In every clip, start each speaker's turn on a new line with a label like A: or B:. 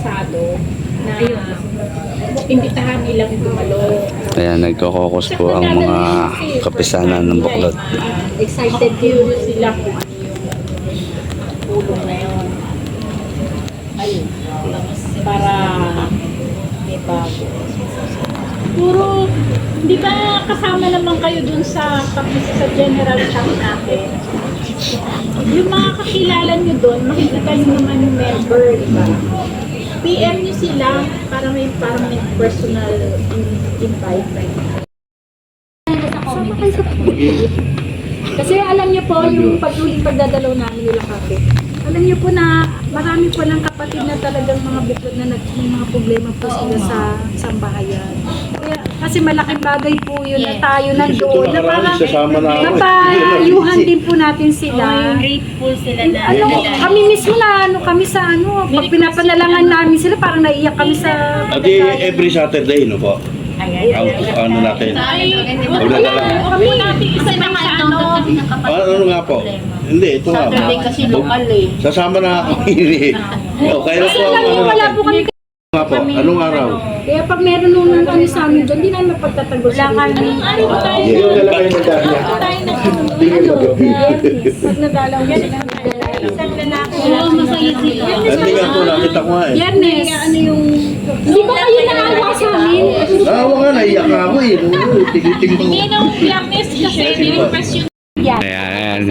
A: interesado na imbitahan nilang dumalo.
B: Ayan, nagkokokos po ang mga kapisanan ng Buklod.
A: Excited curious sila kung ano yung tulong na yun. Ayun. Para may bago. Puro, di ba kasama naman kayo dun sa general chat natin? Yung mga kakilala nyo dun, makikita nyo naman yung member, di ba? PM nyo sila para may personal invite. Sama kayo sa kasi alam niyo po, yung patuloy pagdadalaw namin nila kape. Alam niyo po na marami po ng kapatid na talagang mga buklod na may mga problema po sila sa sambahayan. Kaya, kasi malaking bagay po yun na tayo nandoon. Na parang napayuhan din po natin sila.
C: Grateful sila na.
A: Kami mismo na kami sa pag pinapanalangan namin sila, parang naiiyak kami sa...
D: Every Saturday, no po? Ano natin?
A: Kami natin isa na
D: Ano nga po? Hindi, ito nga.
C: Saturday kasi lokal eh.
D: Sasama na ako hindi. Kaya
A: kasi
D: po
A: alam niyo, wala po kami
D: nga po. Anong araw?
A: kaya pag meron nung kami sa amin doon, hindi namin mapagtatagol sa amin. Anong araw ba tayo? Pag nadalaw yan, isang lalaki.
C: Oo, masaya sila.
D: Hindi nga po, nakita ko nga eh.
A: Yernes. Hindi ba kayo naawa sa amin?
D: Naawa nga, naiyak nga ako eh. Tingin ko.
A: Hindi nung Yernes kasi, ni-request yung
B: Ayan,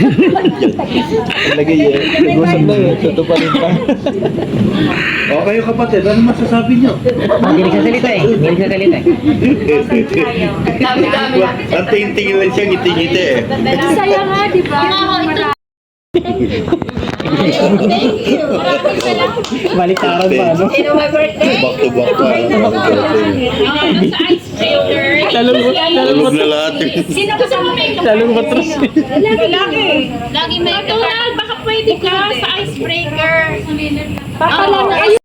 E: Lagi yun. Nag-usap na yun. Tutuparin pa.
D: O kayo kapatid, ano masasabi nyo?
E: Hindi nagsasalita eh. Hindi nagsasalita eh.
C: Dami-dami.
D: Ang tingin lang siya, ngiti-ngiti eh.
A: saya nga, di ba?
E: Baliktaran pa, ano?
C: Sino my birthday?
D: Back to back pa.
E: Talong
D: Tulog na lahat eh.
A: Sino ba sa mga
E: Talong matras.
A: lalaki?
C: Lagi may
A: Baka pwede ka sa icebreaker.
C: Baka
A: lang